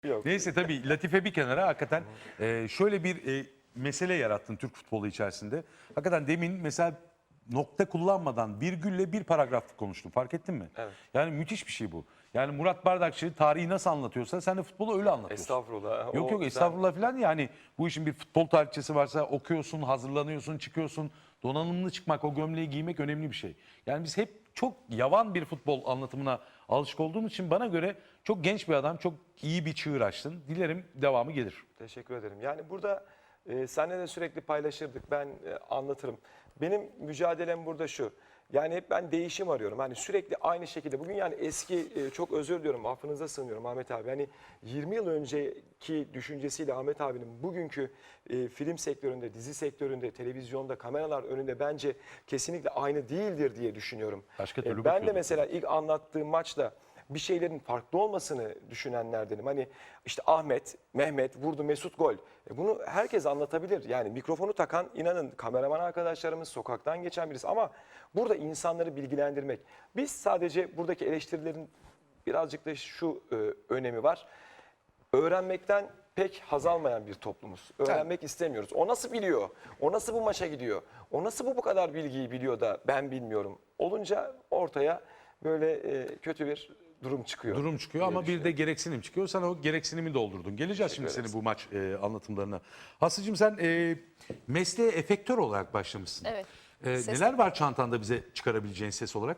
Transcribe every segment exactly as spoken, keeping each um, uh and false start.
Yok. Neyse tabii latife bir kenara hakikaten e, şöyle bir e, mesele yarattın Türk futbolu içerisinde. Hakikaten demin mesela nokta kullanmadan virgülle bir paragraf konuştun, fark ettin mi? Evet. Yani müthiş bir şey bu. Yani Murat Bardakçı tarihi nasıl anlatıyorsa sen de futbolu öyle anlatıyorsun. Estağfurullah. Yok O yok ben- estağfurullah falan, yani bu işin bir futbol tarihçesi varsa okuyorsun, hazırlanıyorsun, çıkıyorsun. Donanımlı çıkmak, o gömleği giymek önemli bir şey. Yani biz hep çok yavan bir futbol anlatımına alışık olduğumuz için bana göre çok genç bir adam, çok iyi bir çığır açtın. Dilerim devamı gelir. Teşekkür ederim. Yani burada e, seninle de sürekli paylaşırdık. Ben e, anlatırım. Benim mücadelem burada şu. Yani hep ben değişim arıyorum. Hani sürekli aynı şekilde. Bugün yani eski, e, çok özür diliyorum, affınıza sığınıyorum Ahmet abi. Hani yirmi yıl önceki düşüncesiyle Ahmet abinin bugünkü e, film sektöründe, dizi sektöründe, televizyonda, kameralar önünde bence kesinlikle aynı değildir diye düşünüyorum. Başka E, türlü ben de bakıyorduk. mesela ilk anlattığım maçta bir şeylerin farklı olmasını düşünenlerdenim. Hani işte Ahmet, Mehmet vurdu, Mesut gol. E bunu herkes anlatabilir. Yani mikrofonu takan, inanın, kameraman arkadaşlarımız, sokaktan geçen birisi. Ama burada insanları bilgilendirmek. Biz sadece buradaki eleştirilerin birazcık da şu e, önemi var. Öğrenmekten pek haz almayan bir toplumuz. Öğrenmek istemiyoruz. O nasıl biliyor? O nasıl bu maça gidiyor? O nasıl bu bu kadar bilgiyi biliyor da ben bilmiyorum? Olunca ortaya böyle e, kötü bir durum çıkıyor. Durum çıkıyor diye ama bir de düşünüyorum. gereksinim çıkıyor. Sen o gereksinimi doldurdun. Geleceğiz şimdi Teşekkür senin bu maç e, anlatımlarına. Hasıcığım sen e, mesleğe efektör olarak başlamışsın. Evet. E, Ses- neler var çantanda bize çıkarabileceğin ses olarak?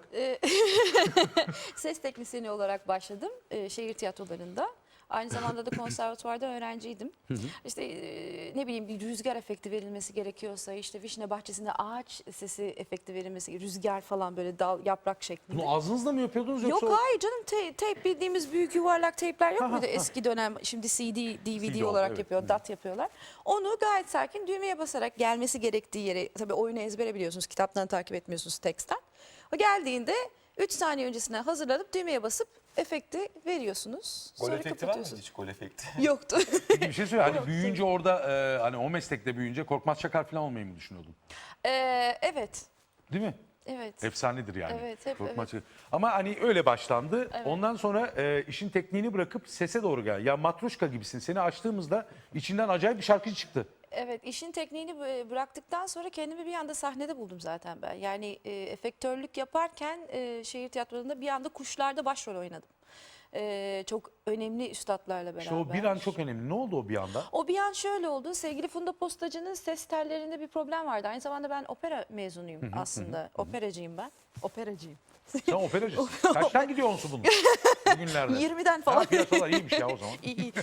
Ses teknisyeni olarak başladım e, şehir tiyatrolarında. Aynı zamanda da konservatuvarda öğrenciydim. İşte e, ne bileyim bir rüzgar efekti verilmesi gerekiyorsa, işte vişne bahçesinde ağaç sesi efekti verilmesi, rüzgar falan böyle dal yaprak şeklinde. Bunu ağzınızla mı yapıyordunuz yoksa? Yok hayır canım, te- teyp bildiğimiz büyük yuvarlak teypler yok muydu eski dönem, şimdi C D, D V D C D oldu, olarak evet. yapıyor, D A T yapıyorlar. Onu gayet sakin düğmeye basarak gelmesi gerektiği yere, tabii oyunu ezbere biliyorsunuz, kitaptan takip etmiyorsunuz, teksten. O geldiğinde üç saniye öncesine hazırlanıp düğmeye basıp efekti veriyorsunuz. Gol Sonra efekti var mıydı kapatıyorsunuz. hiç, gol efekti? Yoktu. Peki bir şey söyle. Hani büyüyünce orada e, hani o meslekte büyüyünce Korkmaz Çakar falan olmayı mı düşünüyordun? Ee, evet. Değil mi? Evet. Efsanedir yani. Evet, hep Korkmaz evet. Çakar. Ama hani öyle başlandı. Evet. Ondan sonra e, işin tekniğini bırakıp sese doğru gel. Ya Matruşka gibisin. Seni açtığımızda içinden acayip bir şarkı çıktı. Evet, işin tekniğini bı- bıraktıktan sonra kendimi bir anda sahnede buldum zaten ben. Yani e, efektörlük yaparken e, şehir tiyatrolarında bir anda Kuşlar'da başrol oynadım. E, çok önemli üstadlarla beraber. İşte o bir an çok önemli. Ne oldu o bir anda? O bir an şöyle oldu. Sevgili Funda Postacı'nın ses tellerinde bir problem vardı. Aynı zamanda ben opera mezunuyum aslında. Operacıyım ben. Operacıyım. Sen operacısın. Kaçtan gidiyor onsu bunun? Bugünlerde. yirmiden Ha, falan. piyasalar iyiymiş ya o zaman. İyi, iyi.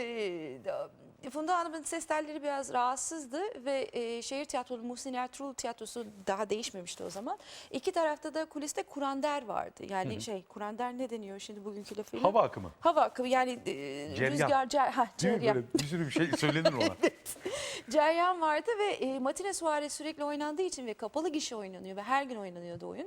Ee, Funda Hanım'ın ses telleri biraz rahatsızdı ve e, şehir tiyatrolu Muhsin Ertuğrul tiyatrosu daha değişmemişti o zaman. İki tarafta da kuliste kurander vardı. Yani şey, kurander ne deniyor şimdi bugünkü lafıyla? Hava akımı. Hava akımı, yani e, Ceryan. rüzgar, cer, ha, Değil mi? ceryan. Böyle bir sürü bir şey söylenir ona. Ceryan vardı ve e, matine suare sürekli oynandığı için ve kapalı gişe oynanıyor ve her gün oynanıyordu oyun.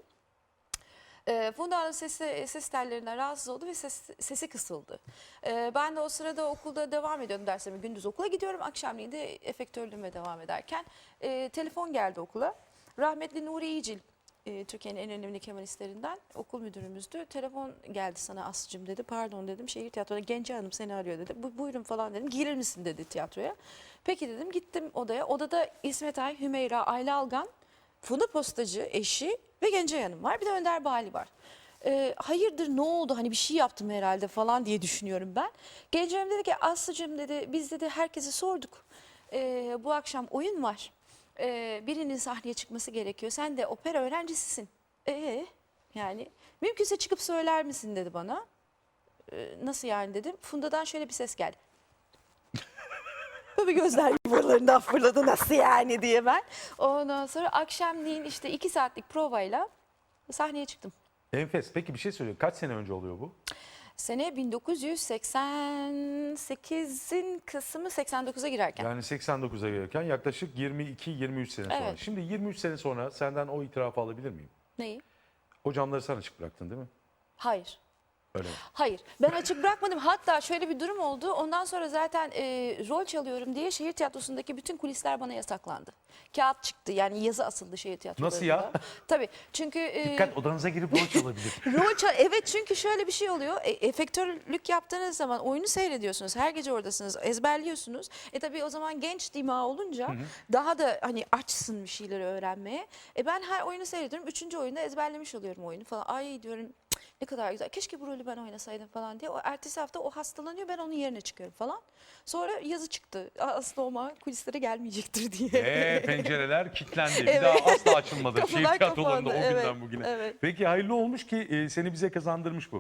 E, Funda Hanım sesi, ses tellerinden rahatsız oldu ve ses, sesi kısıldı. E, ben de o sırada okulda devam ediyordum derslerime. Gündüz okula gidiyorum, akşamleyin de efektörlüğüme devam ederken e, telefon geldi okula. Rahmetli Nuri İyicil, e, Türkiye'nin en önemli kemanistlerinden, okul müdürümüzdü. Telefon geldi sana Aslı'cığım dedi. Pardon dedim, şehir tiyatroda Gence Hanım seni arıyor dedi. Bu, buyurun falan dedim. Girir misin dedi tiyatroya. Peki dedim, gittim odaya. Odada İsmet Ay, Hümeyra, Ayla Algan, Funda Postacı eşi ve Gencay Hanım var. Bir de Önder Bali var. Ee, hayırdır, ne oldu, hani bir şey yaptım herhalde falan diye düşünüyorum ben. Gencay Hanım dedi ki Aslı'cığım dedi, biz dedi herkese sorduk. Ee, bu akşam oyun var. Ee, birinin sahneye çıkması gerekiyor. Sen de opera öğrencisisin. Ee, yani mümkünse çıkıp söyler misin dedi bana. Ee, nasıl yani dedim. Funda'dan şöyle bir ses geldi. Tabii gözler yuvalarından fırladı, nasıl yani diye ben. Ondan sonra akşamleyin işte iki saatlik provayla sahneye çıktım. Enfes. Peki bir şey söyleyeyim. Kaç sene önce oluyor bu? Sene bin dokuz yüz seksen sekizin Kasım'ı seksen dokuza girerken. Yani seksen dokuza gelirken yaklaşık yirmi iki yirmi üç sene sonra. Evet. Şimdi yirmi üç sene sonra senden o itirafı alabilir miyim? Neyi? O camları sen açık bıraktın değil mi? Hayır. Öyle mi? Hayır, ben açık bırakmadım. Hatta şöyle bir durum oldu. Ondan sonra zaten e, rol çalıyorum diye şehir tiyatrosundaki bütün kulisler bana yasaklandı. Kağıt çıktı, yani yazı asıldı şehir tiyatrolarında. Nasıl ya? Tabii, çünkü... e, Dikkat, odanıza girip rol çalabilir. Rol çal- evet, çünkü şöyle bir şey oluyor. E, efektörlük yaptığınız zaman oyunu seyrediyorsunuz. Her gece oradasınız. Ezberliyorsunuz. E tabii o zaman genç dima olunca daha da hani açsın bir şeyleri öğrenmeye. E ben her oyunu seyrediyorum. Üçüncü oyunda ezberlemiş oluyorum oyunu falan. Ay diyorum, "Cık, ne kadar güzel. Keşke bu rolü ben oynasaydım" falan diye. O ertesi hafta o hastalanıyor. Ben onun yerine çıkıyorum falan. Sonra yazı çıktı. Aslında Oma kulislere gelmeyecektir diye. Eee pencereler kilitlendi. Bir Evet. daha asla açılmadı. Şehir Kapılar tiyatrolarında o kapandı, günden evet, bugüne. evet. Peki hayırlı olmuş ki e, seni bize kazandırmış bu.